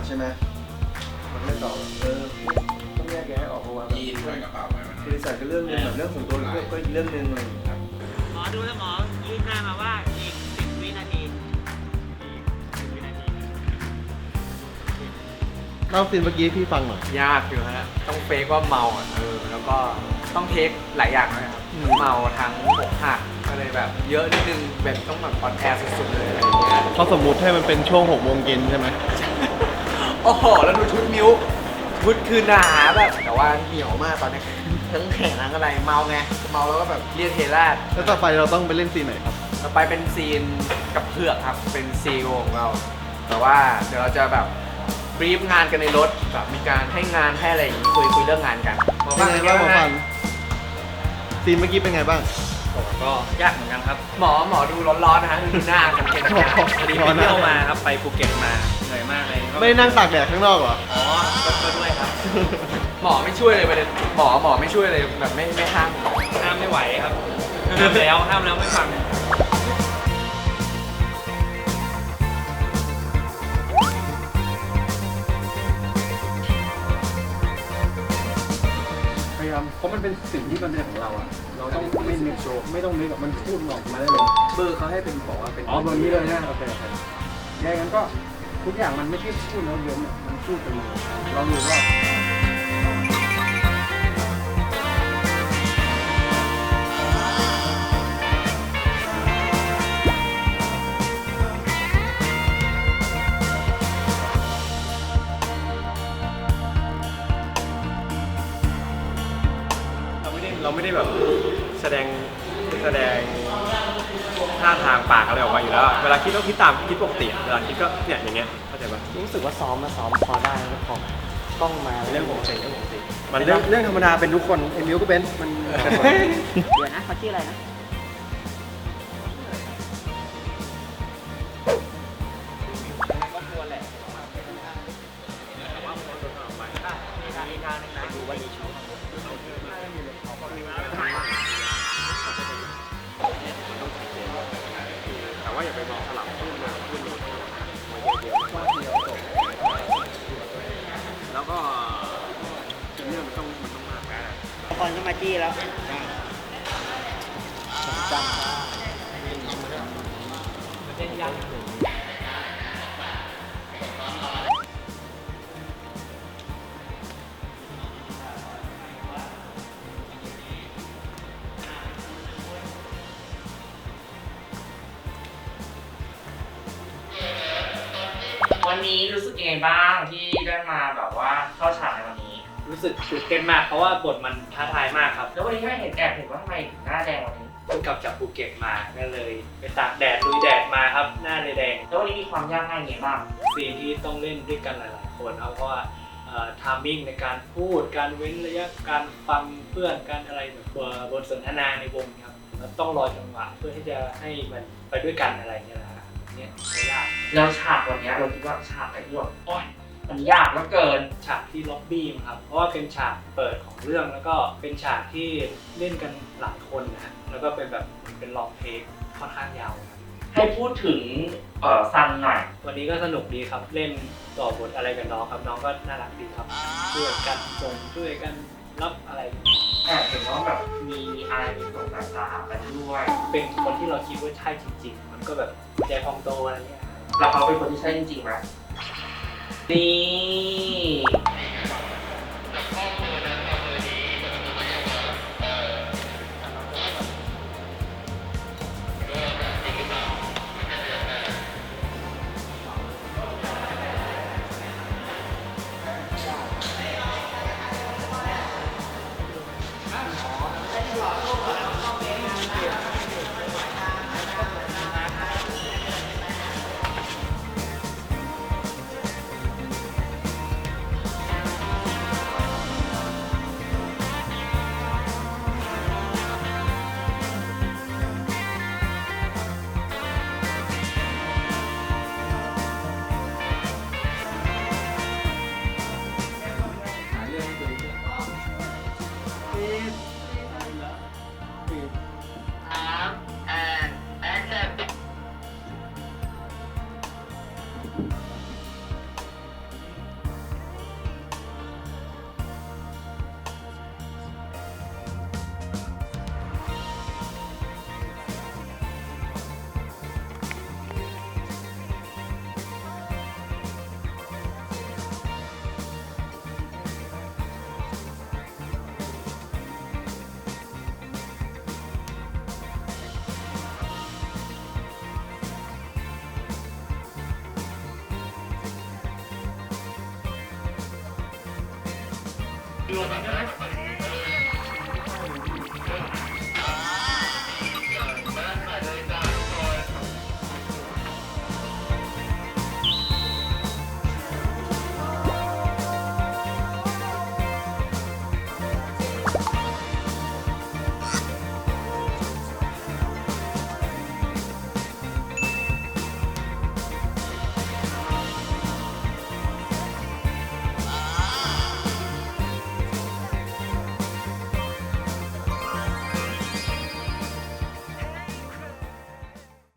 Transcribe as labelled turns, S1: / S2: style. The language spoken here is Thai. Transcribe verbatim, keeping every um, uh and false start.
S1: ใช่ไหมมันไม่ตอบเออต้องแยกแยะออกเพราะว่ายีนใส่กระเป๋าไปมันคือใส่ก็เรื่องนึงแบบเรื่องของตัวก็อีกเรื่องนึงเลยครับ
S2: หมอดูแล้วหมอยื่นหน้ามาว่าอีกสิบวินาที
S1: เล่าซีนเมื่อกี้พี่ฟังหน่อย
S3: ยากอยู่ฮะต้องเฟกว่าเมาอ่ะเออแล้วก็ต้องเทคหลายอย่างเลยครับเมาทั้งอกหักก็เลยแบบเยอะนิดนึงแบบต้องแบบออนแอร์สุดๆเลยอะไรอย่างเงี้ย
S1: เขาสมมุติให้มันเป็นช่วงหกโมงเย็นใช่ไหม
S3: โอ้โหแล้วดูชุดมิ้วชุดคือหนาแบบแต่ว่าเหนียวมากตอนนี้ทั้งแขนทั้งอะไรเมาไงเมาแล้วก็แบบเรียกเทราด
S1: แล้วต่อไปเราต้องไปเล่นซีนไหนครับ
S3: ต่อไปเป็นซีนกับเผือกครับเป็นซีโอของเราแต่ว่าเดี๋ยวเราจะแบบบรีฟงานกันในรถแบบมีการให้งานให้อะไรอย่างนี้คุยคุยเรื่องงานกัน
S1: หมอฟังเป็นไงบ้างหมอฟังซีนเมื่อกี้เป็นไงบ้าง
S4: ก็ยากเหมือนกันครับ
S3: หมอหมอดูร้อนๆนะฮะดูหน้ากันเป็น
S4: พอดีไปเที่ยวมาครับไปภูเก็ตมาเหนื่อยมากเลย
S1: ไม่นั่งตากแดดข้างนอกเหรอ
S4: อ๋อก็ด้วยครับ
S3: หมอไม่ช่วยเลยประเด็นหมอหมอไม่ช่วยเลยแบบไม่ไม่ห้าม
S4: ห้ามไม่ไหวครับห้ามแล้วห้ามแล้วไม่ฟัง
S1: พยายามเพราะมันเป็นสิ่งที่มันเป็นของเราอะเราต้องไม่นึกโชว์ไม่ต้องนึกแบบมันพูดออกมาได้เลย
S3: เบอร์เขาให้เป็นบอกว่าเป็น
S1: อ๋อเบอร์นี้เลยนะโอเคโอเคยังไงกันก็ทุกอย่างมันไม่ใช่พูดแล้วเยอะมันพูดไปเลยเราดูว่า
S4: เราไม่ได้แบบแสดงแสดงท่าทางปากอะไรออกมาอยู่แล้วเวลาคิดก็คิดตามคิดปกติเวลาคิดก็เนี่ยอย่างเงี้ยเข้าใจปะ
S3: รู้สึกว่าซ้อมมาซ้อมพอได้แล้วพอกล้องมา
S4: เรื่องปกติเรื่องปกติ
S1: มันเรื่องเรื่องธรรมดาเป็นทุกคนไอ้มิวก็เป็นมัน
S2: เดี๋ยวนะเขาชื่ออะไรนะ
S4: แต่ว่าอย่าไปมองสลับขึ้นมาขึ้นมาแล้วก็เรื่องมันต้องมันต้องมากนะ
S2: ก่อนก็มาจี้แล้วจังวันนี้รู้สึกยังไงบ้างที่ได้มาแบบว่าเข้าฉากในวันนี้
S4: รู้สึกตื่นเต้นมากเพราะว่าบทมันท้าทายมากครับ
S2: แล้ววันนี้ไม่เห็นแอบเห็นว่าทำไมถึงหน้าแดงวันนี้
S4: เพิ่งกลับจากภูเก็ตมาก็เลยไปตากแดดลุยแดดมาครับหน้าเลยแดง
S2: แล้ววันนี้มีความยากง่ายยังไงบ้าง
S4: ซีนที่ต้องเล่นด้วยกันหลายๆคนครับเพราะว่าทามมิ่งในการพูดการเว้นระยะการฟังเพื่อนการอะไรแบบบทสนทนาในวงครับแล้วต้องรอจังหวะเพื่อที่จะให้มันไปด้วยกันอะไรเงี้ยนะเนี่ยยาก
S2: แล้วฉากวันนี้เราคิดว่าฉากไหนที่แบบโอ๊ยมันยากเหลือเกิน
S4: ฉากที่ล็อบบี้ครับเพราะว่าเป็นฉากเปิดของเรื่องแล้วก็เป็นฉากที่เล่นกันหลายคนนะแล้วก็เป็นแบบเป็นลองเทคค่อนข้างยาว
S2: ให้พูดถึงเอ่อซันหน่อย
S4: วันนี้ก็สนุกดีครับเล่นต่อบทอะไรกับน้องครับน้องก็น่ารักดีครับช่วยกันส่งช่วยกันรับอะไร
S2: แอบเห็นว่าแบบมีอะไรมีส่งสายตากันด้วย
S4: เป็นคนที่เราคิดว่าใช่จริงๆมันก็แบบใจพองโตอะไรเงี้ย
S2: แล้วเขาเป็นคนที่ใช่จริงๆไหมนี่ลงได้ไหม